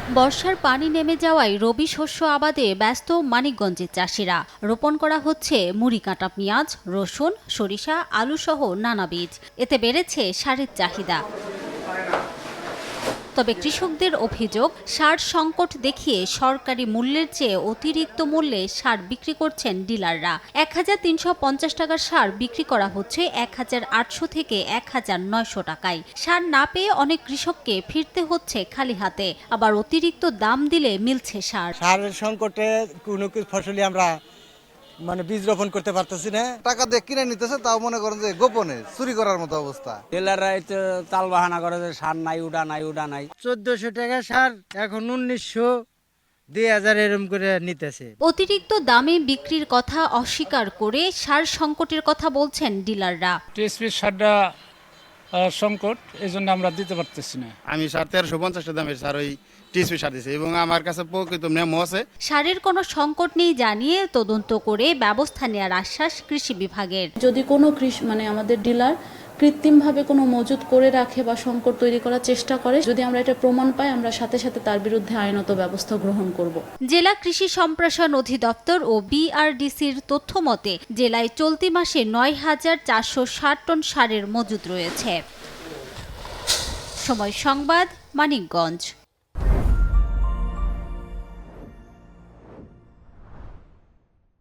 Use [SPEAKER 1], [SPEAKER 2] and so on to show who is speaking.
[SPEAKER 1] বর্ষার পানি নেমে যাওয়ায় রবি শস্য আবাদে ব্যস্ত মানিকগঞ্জের চাষিরা। রোপণ করা হচ্ছে মুড়ি কাঁটা পেঁয়াজ, রসুন, সরিষা, আলু সহ নানা বীজ। এতে বেড়েছে সারের চাহিদা। তবে কৃষকদের অভিযোগ, সার সংকট দেখিয়ে সরকারি মূল্যের চেয়ে অতিরিক্ত মূল্যে সার বিক্রি করছেন ডিলাররা। ১,৩৫০ টাকার সার বিক্রি করা হচ্ছে ১,৮০০ থেকে ১,৯০০ টাকায়। সার না পেয়ে অনেক কৃষককে ফিরতে হচ্ছে খালি হাতে, আবার অতিরিক্ত দাম দিলে মিলছে সার।
[SPEAKER 2] সারের সংকটে কোনো ফসলই আমরা বীজ রোপণ করতে পারতেছি না।
[SPEAKER 3] টাকা দিয়ে কিনে নিতেছে, তাও মনে করেন যে গোপনে চুরি করার মতো অবস্থা।
[SPEAKER 4] ডিলাররা তাল বাহানা করে যে সার নাই, উডা নাই, উডা নাই।
[SPEAKER 5] ১৪০০ টাকা সার এখন ১৯০০, ২,০০০ এরম করে নিতেছে।
[SPEAKER 1] অতিরিক্ত দামে বিক্রির কথা অস্বীকার করে সার সংকটের কথা বলছেন ডিলাররা।
[SPEAKER 6] টিএসপি সারটা সংকট, এই জন্য আমরা দিতে পারতেছি না।
[SPEAKER 7] আমি ১৩৫০ দামের সার ওই টিএসপি সার দিয়েছি এবং আমার কাছে প্রকৃত মেমো আছে।
[SPEAKER 1] সারের কোনো সংকট নেই জানিয়ে তদন্ত করে ব্যবস্থা নেওয়ার আশ্বাস কৃষি বিভাগের।
[SPEAKER 8] যদি কোনো আমাদের ডিলার কৃত্রিমভাবে কোনো মজুত করে রাখে বা সংকট তৈরি করার চেষ্টা করে, যদি আমরা এটা প্রমাণ পাই, আমরা সাথে সাথে তার বিরুদ্ধে আইনত ব্যবস্থা গ্রহণ করব।
[SPEAKER 1] জেলা কৃষি সম্প্রসারণ অধিদপ্তর ও বিআরডিসির তথ্য মতে জেলায় চলতি মাসে ৯,৪৬০ টন সারের মজুত রয়েছে। সময় সংবাদ, মানিকগঞ্জ।